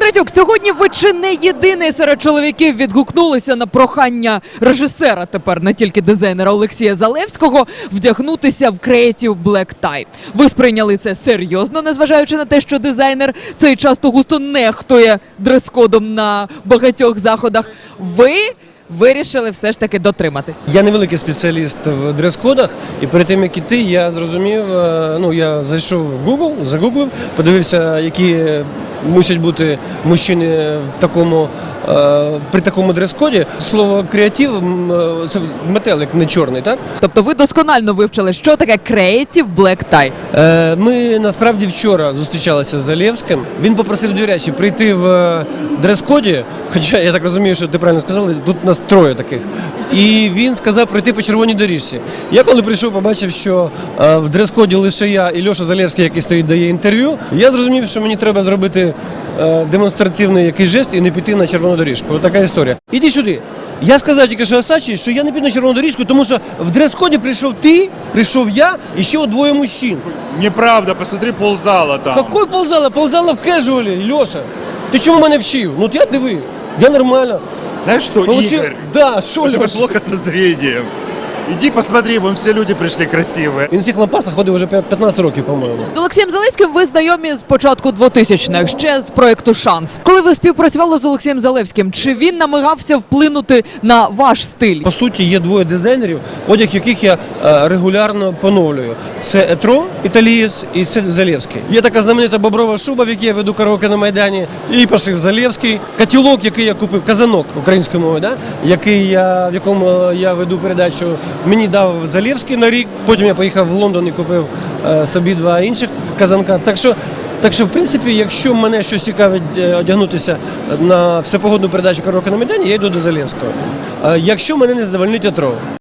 Кондратюк, сьогодні ви чи не єдиний серед чоловіків відгукнулися на прохання режисера, тепер не тільки дизайнера Олексія Залевського, вдягнутися в Creative Black Tie. Ви сприйняли це серйозно, незважаючи на те, що дизайнер цей часто густо нехтує дрес-кодом на багатьох заходах. Ви вирішили все ж таки дотриматись. Я невеликий спеціаліст в дрес-кодах, і перед тим, як іти, я зрозумів, я зайшов в Google, загуглив, подивився, які мусять бути мужчини в такому, при такому дрес-коді. Слово «креатив» – це метелик, не чорний, так? Тобто ви досконально вивчили, що таке Creative Black Tie. Ми насправді вчора зустрічалися з Залевським. Він попросив дві речі: прийти в дрес-коді, хоча я так розумію, що ти правильно сказав, тут нас троє таких. І він сказав пройти по червоній доріжці. Я коли прийшов, побачив, що в дрес-коді лише я і Льоша Залевський, який стоїть, дає інтерв'ю. Я зрозумів, що мені треба зробити демонстративний якийсь жест і не піти на червону доріжку. Ось така історія. Іди сюди. Я сказав тільки що Асачі, що я не піду на червону доріжку, тому що в дрес-коді прийшов ти, прийшов я і ще двоє мужчин. Неправда, посмотри ползала там. Какой ползала? Ползала в кежуалі, Льоша. Ти чому мене вчив? Ну я диви, я нормально. Знаешь что, Игорь? Да, що, у тебя Льоша? плохо со зрением. Иди посмотри, вон все люди пришли красивые. Він в цих лампасах ходив вже 15 років, по-моєму. З Олексієм Залевським ви знайомі з початку 2000-х, ще з проєкту «Шанс». Коли ви співпрацювали з Олексієм Залевським, чи він намагався вплинути на ваш стиль? По суті, є двоє дизайнерів, одяг яких я регулярно поновлюю. Це Етро, італієць, і це Залевський. Є така знаменита боброва шуба, в якій я веду караоке на Майдані, і пошив Залевський. Котілок, який я купив, казанок українською мовою, да? В якому я веду передачу, мені дав Залевський на рік, потім я поїхав в Лондон і купив собі два інших казанка. Так що, в принципі, якщо мене щось цікавить одягнутися на всепогодну передачу караоке на Майдані, я йду до Залевського. Якщо мене не задовольнить Етро.